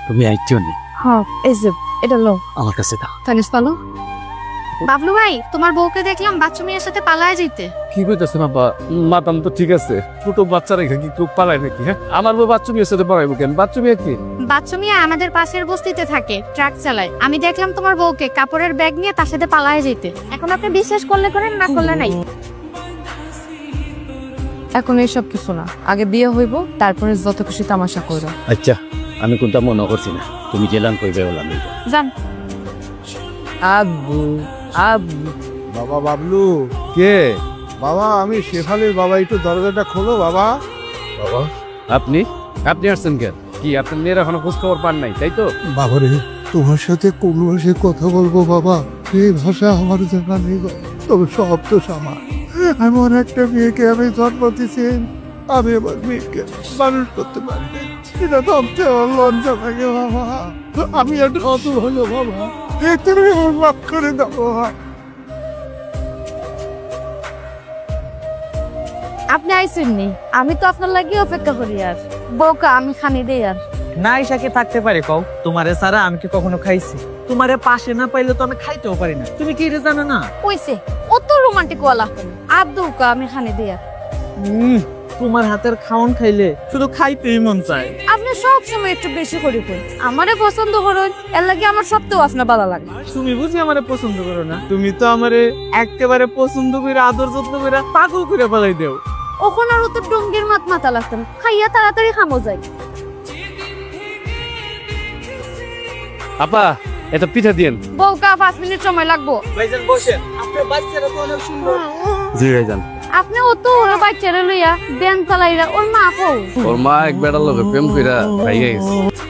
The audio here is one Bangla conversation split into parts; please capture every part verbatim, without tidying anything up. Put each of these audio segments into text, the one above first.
তুমি আইছো নি? হ্যাঁ এই যে এটা লো আমার কাছে দাও। তানিস পালো। বাবলু ভাই তোমার বউকে দেখলাম বাচ্চা মেয়ের সাথে পালায় যেতে। কি কইতেছেন আব্বা? মাতাম তো ঠিক আছে, ছোট বাচ্চা রেখে কি কেউ পালায় নাকি? হ্যাঁ, আমার বউ বাচ্চা মেয়ের সাথে পালাইবো কেন? বাচ্চা মেয়ে কি? বাচ্চা মেয়ে আমাদের পাশের বস্তিতে থাকে, ট্রাক চালায়। আমি দেখলাম তোমার বউকে কাপড়ের ব্যাগ নিয়ে তার সাথে পালায় যেতে। এখন আপনি বিশ্বাস করলে করেন, না করলে নাই। এখন এইসব কিছু না, আগে বিয়ে হইব, তারপরে যত খুশি তামাশা করো। আচ্ছা, আমি কোনটা মনে করছি না, তুমি জেলান কইবে বললাম। যান। আব্বু আব্বু বাবা বাবলু, কে? বাবা আমি শেফালির বাবা, একটু দরজাটা খোলো বাবা। বাবা আপনি আপনি আসছেন কেন? কি আপনার মেয়ের এখনো খোঁজ খবর পান নাই, তাই তো? বাবারে, তোমার সাথে কোন ভাষায় কথা বলবো বাবা? সেই ভাষা আমার জানা নেই গো। তবে সব তো আমার। এমন একটা মেয়েকে আমি জন্ম দিয়েছি, আমি আমার মেয়েকে মানুষ করতে পারি না। এটা তো আমার লজ্জা লাগে বাবা। আমি একটা অত হলো বাবা, তুমি আমার মাফ করে দাও বাবা। আপনি আইসেন নি, আমি তো আপনার লাগি অপেক্ষা করি। আর বউকা আমি খানি দেই। আর না ইসাকে থাকতে পারে কও? তোমারে সারা আমি কি কখনো খাইছি? তোমারে পাশে না পাইলে তো আমি খাইতেও পারি না। তুমি কি এটা জানো না? কইছে অত রোমান্টিক ওয়ালা আর দৌকা আমি খানি দেই। আর হুম, তোমার হাতের খাওন খাইলে শুধু খাইতেই মন চায়। আপনি সব সময় একটু বেশি করে কই আমারে পছন্দ করুন, এর লাগি আমার সবতেও আপনার ভালো লাগে। তুমি বুঝি আমারে পছন্দ করো না? তুমি তো আমারে একেবারে পছন্দ করে আদর যত্ন করে পাগল করে ফেলাই দেও। ওখানে আর তো ডঙ্গির মাত মাথা লাগতাম, খাইয়া তাড়াতাড়ি খামো যাই। আপা, এটা পিঠা দিয়েন। বউকা পাঁচ মিনিট সময় লাগবো। ভাইজান বসেন, আপনার বাচ্চারা তো অনেক সুন্দর। জি ভাইজান। আপনি ও তো ওর বাচ্চারা লইয়া বেন চালাইরা ওর মা কও। ওর মা এক বেড়ার লোকে প্রেম কইরা ভাইয়া গেছে।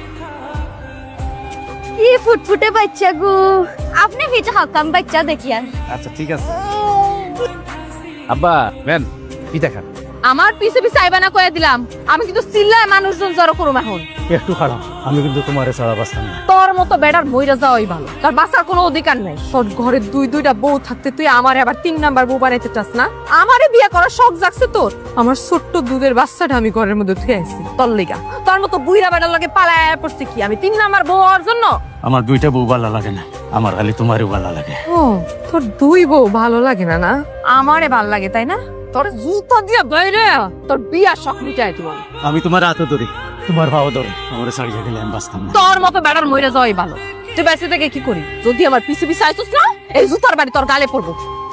কি ফুটফুটে বাচ্চা গো। আপনি ভিটা হাকাম বাচ্চা দেখিয়া। আচ্ছা ঠিক আছে। আব্বা ম্যান, পিঠা খান। আমার পিছে পিছে আইবা না কইয়া দিলাম, আমি কিন্তু চিল্লায় মানুষজন জড়ো করুম এখন। একটু খারাপ, আমি কিন্তু তোমার ছাড়া বাঁচতাম না। তোর মতো বেড়ার মইরা যাওয়াই ভালো, তোর বাঁচার কোনো অধিকার নাই। তোর ঘরে দুই দুইটা বউ থাকতে তুই আমার আবার তিন নাম্বার বউ বানাইতে চাস না? আমারে বিয়ে করার শখ জাগছে তোর? আমার ছোট্ট দুধের বাচ্চাটা আমি ঘরের মধ্যে থুয়ে আইছি তোর লিগা। তোর মতো বুইরা বেড়ার লগে পালায় পড়ছে কি আমি তিন নাম্বার বউ হওয়ার জন্য? আমার দুইটা বউ ভালো লাগে না, আমার খালি তোমারও ভালো লাগে। ও তোর দুই বউ ভালো লাগে না? না আমারে ভালো লাগে, তাই না? তোর জুতা দিয়া বাইরে তোর বিয়া শখ মিটাই দিব। আমি তোমার হাতে ধরি, তোমার ভাও ধরে, আমার ছাড়িয়ে গেলে আমি বাঁচতাম না। তোর মতো বেড়ার মইরা যাওয়াই ভালো। তুই বেঁচে থেকে কি করি? যদি আমার পিছে পিছে আইছিস না, এই জুতার বাড়ি তোর গালে পড়বো।